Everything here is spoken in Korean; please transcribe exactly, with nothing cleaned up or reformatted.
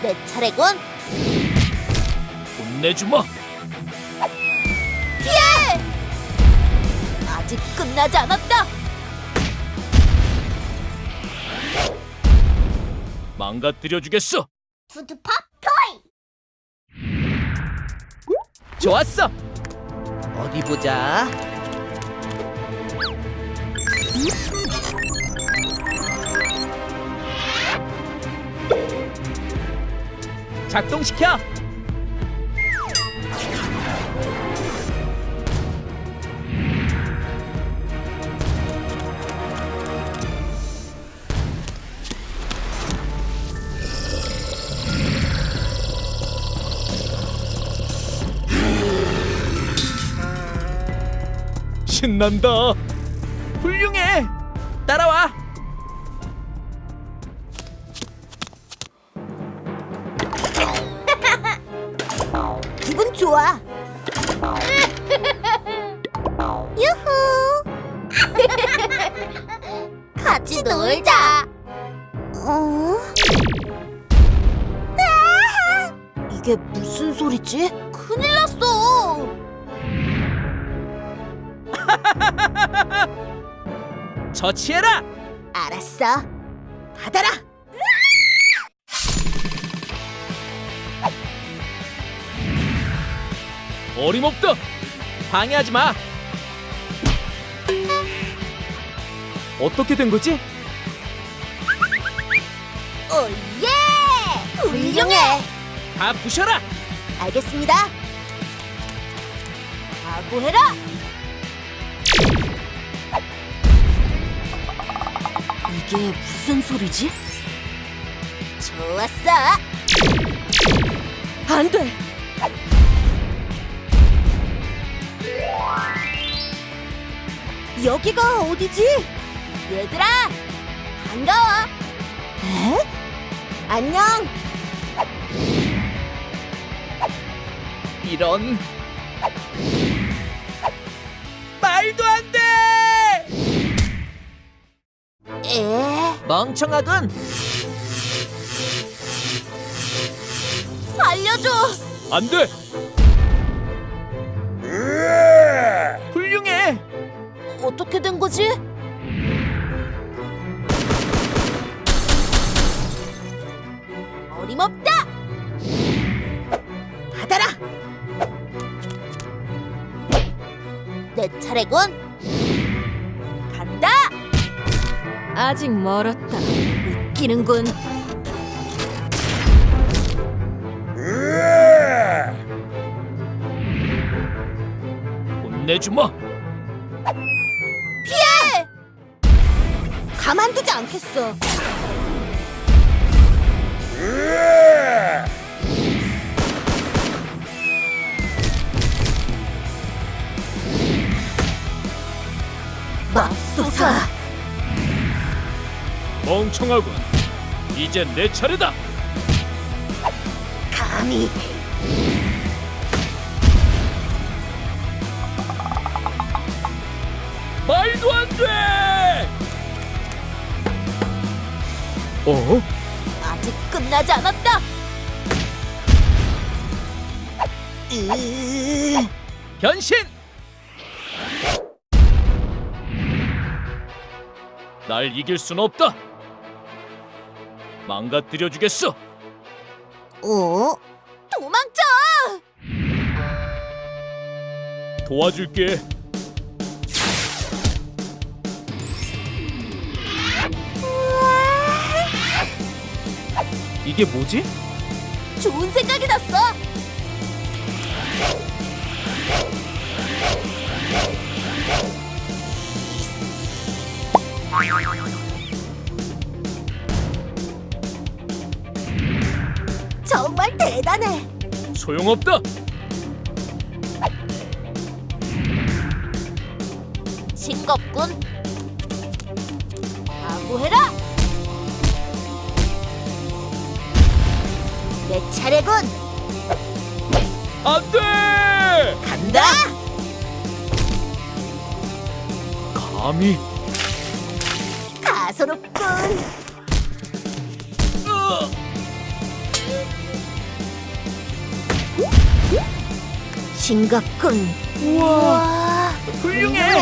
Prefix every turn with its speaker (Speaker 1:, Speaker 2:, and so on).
Speaker 1: 내 차례군.
Speaker 2: 혼내주마.
Speaker 1: 피해! 아직 끝나지 않았다.
Speaker 2: 망가뜨려주겠어.
Speaker 1: 푸드팝 토이.
Speaker 3: 좋았어. 어디 보자. 작동시켜.
Speaker 2: 신난다.
Speaker 3: 훌륭해. 따라와.
Speaker 1: 기분 좋아. 유후. 같이 놀자. 어? 아! 이게 무슨 소리지? 큰일 났어.
Speaker 3: 처치해라.
Speaker 1: 알았어. 받아라.
Speaker 2: 어림없다.
Speaker 3: 방해하지 마. 어떻게 된 거지?
Speaker 1: 오예! 훌륭해.
Speaker 3: 다 부셔라.
Speaker 1: 알겠습니다. 각오해라. 이게 무슨 소리지? 좋았어. 안 돼. 여기가 어디지? 얘들아, 반가워. 에? 안녕.
Speaker 3: 이런. 말도 안 돼.
Speaker 1: 에?
Speaker 3: 멍청하군.
Speaker 1: 살려줘.
Speaker 2: 안 돼.
Speaker 3: 훌륭해.
Speaker 1: 어떻게 된 거지? 어림없다. 받아라. 내 차례군. 간다.
Speaker 4: 아직 멀었다.
Speaker 1: 웃기는군.
Speaker 2: 혼내주마.
Speaker 1: 피해! 가만두지 않겠어. 맙소사.
Speaker 2: 멍청하군. 이제 내 차례다.
Speaker 1: 감히.
Speaker 2: 말도 안 돼. 어?
Speaker 1: 아직 끝나지 않았다. 으...
Speaker 3: 변신.
Speaker 2: 날 이길 순 없다. 망가뜨려주겠어.
Speaker 1: 어? 도망쳐!
Speaker 2: 도와줄게.
Speaker 3: 이게 뭐지?
Speaker 1: 좋은 생각이 났어. 정말 대단해.
Speaker 2: 소용없다.
Speaker 1: 싱겁군. 각오해라. 내 차례군.
Speaker 2: 안 돼.
Speaker 1: 간다.
Speaker 2: 감히.
Speaker 1: 가소롭군.
Speaker 2: 으.
Speaker 1: 싱겁군. 우와.
Speaker 3: 훌륭해.